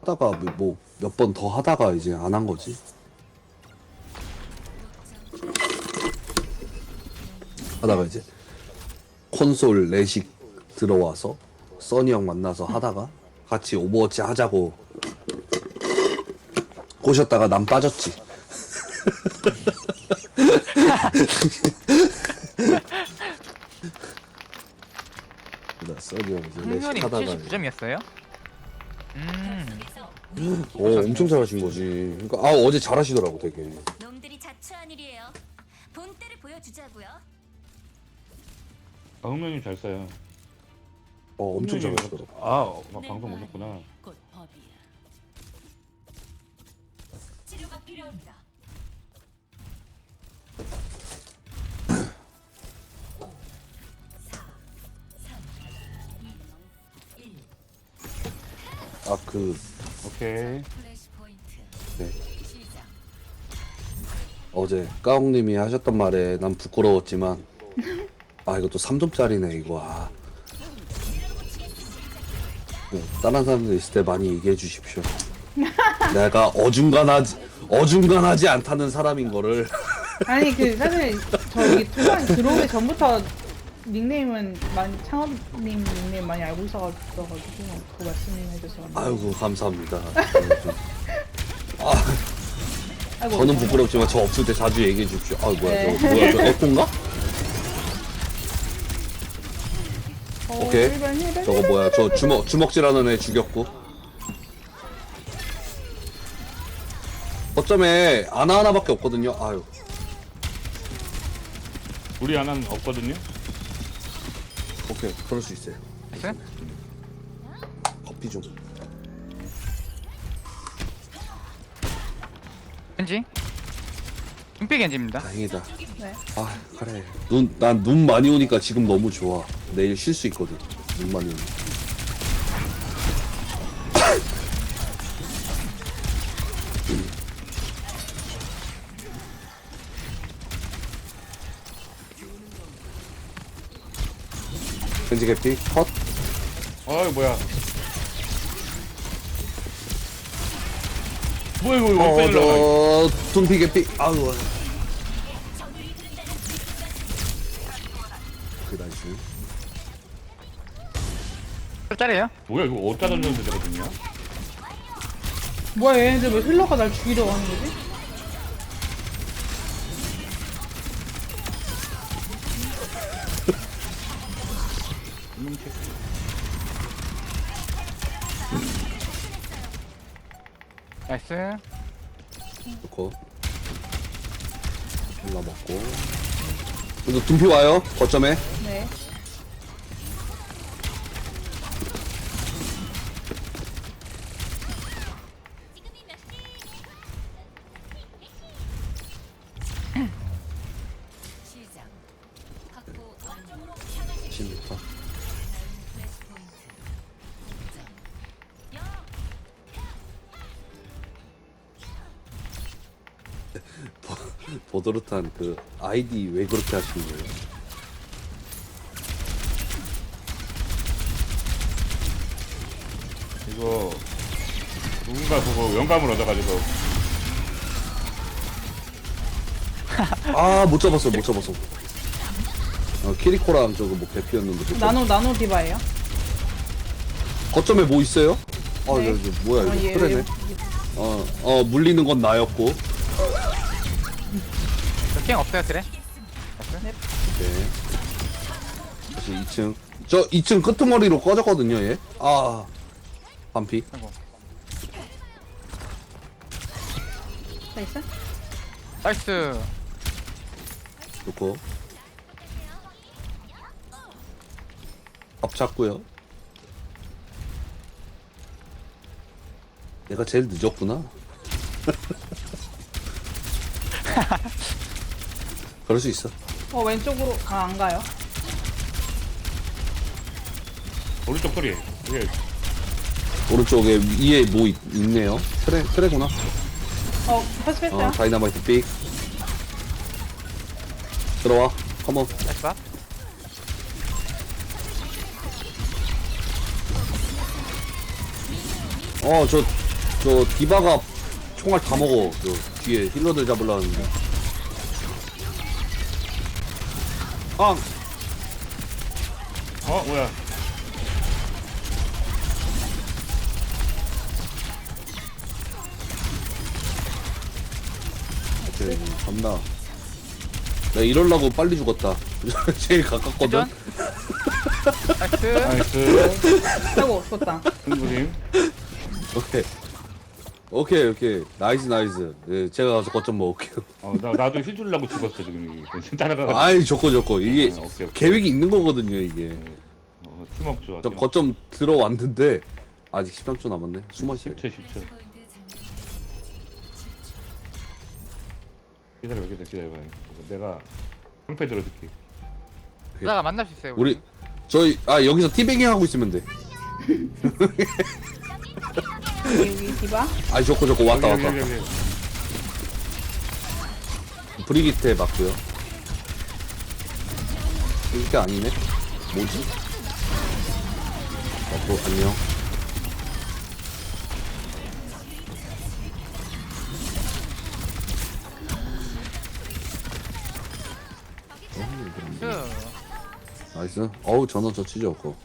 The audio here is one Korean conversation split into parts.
하다가 뭐 몇 번 더 하다가 이제 안 한 거지. 하다가 이제 콘솔 레식 들어와서 써니 형 만나서 하다가 같이 오버워치 하자고 꼬셨다가 난 빠졌지. 나 써니 형 이제 레식 흥년이 하다가 79점이었어요? 엄청 잘하신 거지. 그러니까 어제 잘하시더라고 되게. 놈들이 자초한 일이에요. 본때를 보여주자고요. 아, 흥명님 잘 써요. 엄청 흥명님 잘하시더라고. 방송 보셨구나. 곧 법이야. 치료가 필요합니다. 오케이. 플래시 포인트. 네. 시작. 어제 까옹님이 하셨던 말에 난 부끄러웠지만 이것도 3점짜리네 이거. 네, 다른 사람들 있을 때 많이 얘기해 주십시오. 내가 어중간하지 않다는 사람인 거를. 아니 그 사실 저 여기 투방 들어오기 전부터 닉네임은 많이 창업님 닉네임 많이 알고 있어가지고 그 말씀해줘서 아이고 감사합니다. 아이고, 저는 부끄럽지만 저 없을 때 자주 얘기해 주십시오. 뭐야 네. 저 에코인가? 오케이. 저거 뭐야 저 주먹질하는 애 죽였고. 어쩌면 하나밖에 없거든요. 아유. 우리 하나는 없거든요. 오케이 그럴 수 있어요. 나이스. 커피 좀. 겐지. 눈빛 겐지입니다. 다행이다. 네. 그래. 난 눈 많이 오니까 지금 너무 좋아. 내일 쉴 수 있거든. 눈 많이 오니까. 겐지 개피 컷. 어이 뭐야. 뭐야 이거 원패를 나가. 둠피 개피. 아우. 그 나이스. 짤이에요? 뭐야 이거 어디다 던졌는데 되거든요. 뭐야 얘네들 왜 힐러가 날 죽이려고 하는 거지? 나이스. 좋고. 일라 먹고. 이거 둠피 와요. 거점에. 네. 시작. 확보 완전으로 향하시 10m. 플래시 포인트. 보드루탄 그 아이디 왜 그렇게 하시는 거예요? 이거 누군가 보고 영감을 얻어가지고 못 잡았어. 키리코랑 저거 뭐 개피였는데. 못 잡았어. 나노 디바예요. 거점에 뭐 있어요? 네. 이거 뭐야 이거 얘- 그래네. 물리는 건 나였고. 킹 없어요, 그래? 오케이. 다시 2층. 저 2층 끄트머리로 꺼졌거든요, 얘. 반피. 아이고. 나이스. 나이스. 좋고. 밥 찾고요. 내가 제일 늦었구나. 그럴 수 있어. 왼쪽으로 안 가요. 오른쪽 소리. 이게 오른쪽에 위에 뭐 있네요. 트레구나. 패스했어요. 다이너마이트 삑. 들어와. 컴온. 나이스. 저 저 디바가 총알 다 먹어. 저 뒤에 힐러들 잡으려 하는데. 아, 뭐야. 오케이, 겁나. 나 이럴라고 빨리 죽었다. 제일 가깝거든. 회전. 나이스. 나이스. 아이고 죽었다. 승부님. 오케이. 나이스. 예, 제가 가서 거점 먹을게요. 나도 힐 주려고 죽었어, 지금. 따라가가지고. 아이, 좋고. 이게 오케이. 계획이 있는 거거든요, 이게. 팀업 좋아. 저 거점 들어왔는데, 아직 13초 남았네. 숨어 쉬 10초, 10초. 포인트 장면. 기다려봐. 내가 한패 들어줄게. 나가 만날 수 있어요. 우리, 여기서 티베깅 하고 있으면 돼. 여기 디바. 아이, 좋고. 왔다. 여기. 브리기테 맞고요. 이게 아니네? 뭐지? 안녕. 나이스. 나이스. 어우, 전원 저치죠, 그거.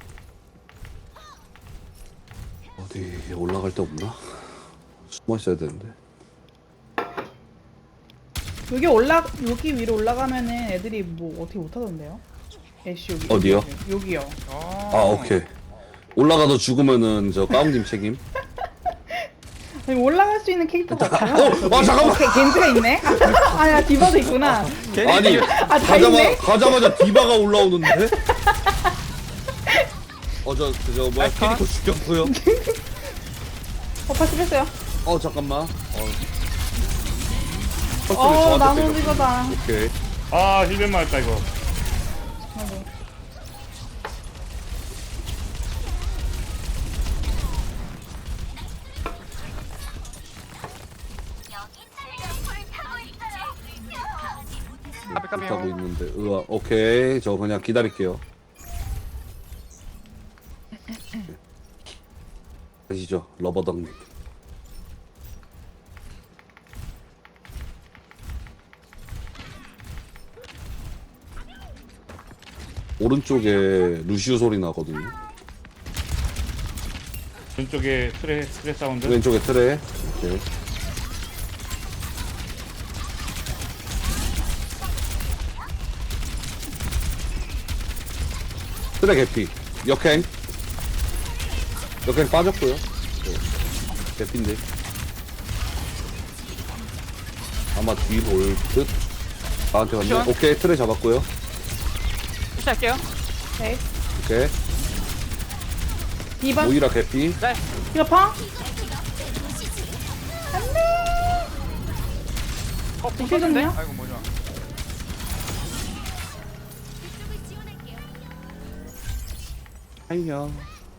어디 올라갈 데 없나? 숨어 있어야 되는데. 여기 위로 올라가면은 애들이 뭐 어떻게 못하던데요? 애쉬 여기. 어디요? 여기요. 어. 아, 오케이. 올라가서 죽으면은 저 까웅님 책임. 아니, 올라갈 수 있는 캐릭터가 없어요. 잠깐만. 오케이, 겐트가 있네. 아야 디바도 있구나. 아니, 다 있네. 가자마자 디바가 올라오는데? 저 뭐야, 알카? 캐릭터 죽였고요. 파스 뺐어요. 잠깐만. 나무 이거다. 오케이. 힐벤 맞았다, 이거. 아이고. 까비까비요. 하고 있는데, 오케이. 저 그냥 기다릴게요. 가시죠, 러버덕님. 오른쪽에 루시우 소리 나거든요. 왼쪽에 트레 사운드. 왼쪽에 트레. 오케이. 트레 개피. 역행 빠졌고요. 네. 개피인데. 아마 뒤로 올 듯. 나한테 왔네. 쿠션. 오케이, 트레 잡았고요. 푸시할게요. 오케이. 오케이. 디바. 모이라 개피. 네. 디바 파. 부셨는데? 부셨네요? 아이고 뭐냐. 그쪽을 지원할게요. 안녕.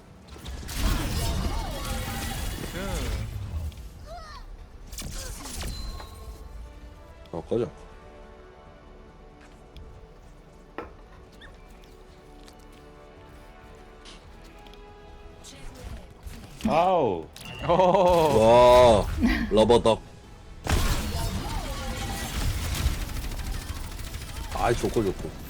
꺼져. 아우. 오. 와, 러버덕. 아이, 좋고.